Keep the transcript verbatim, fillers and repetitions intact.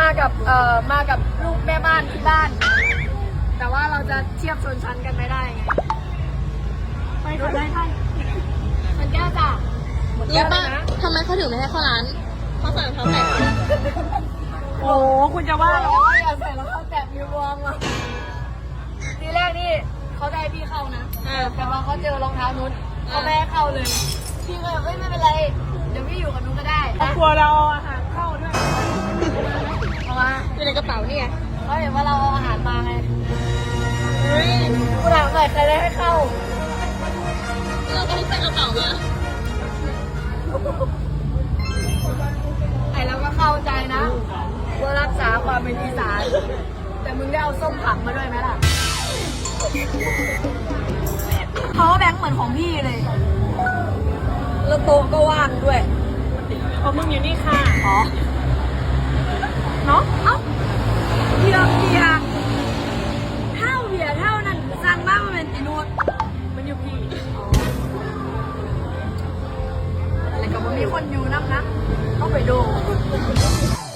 กับเอ่อมากับลูกแม่บ้านที่บ้าน แต่ว่าเราจะเทียบชนชั้นกันไม่ได้ไงไปขอได้ท่านมันแก้วจ้ะรู้ป่ะทำไมเขาถึงไม่ให้เข้าร้านเขาใส่รองเท้าแตะโอ้คุณจะว่าเราอย่าใส่รองเท้าแตะมีวอร์มอ่ะทีแรกนี่เขาได้พี่เข้านะแต่พอเขาเจอรองเท้านุชเขาไม่ให้เข้าเลยพี่ก็เลยไม่เป็นไรเดี๋ยวพี่อยู่กับนุชก็ได้ครอบครัวเราอาหารเข้าด้วยเพราะว่าอยู่ในกระเป๋านี่ไงเขาเห็นว่าเราเอาอาหารมาไงเฮ้ยคุณถามหน่อยใครได้ให้เข้าเราก็ต้องใส่กระเป๋ามาไอ้เราก็เข้าใจนะว่ารักษาความเป็นอีสานแต่มึงได้เอาส้มผักมาด้วยไหมล่ะเขาแบงค์เหมือนของพี่เลยแล้วโต๊ะก็ว่างด้วยเพราะมึงอยู่นี่ค่ะอ๋อเนาะเอ้าเบียร์เบียร์เท่าเบียร์เท่านั้นสั่งมากมันเป็นตีนูดมันอยู่พี่อะไรกับว่ามีคนอยู่นักนะต้องไปดู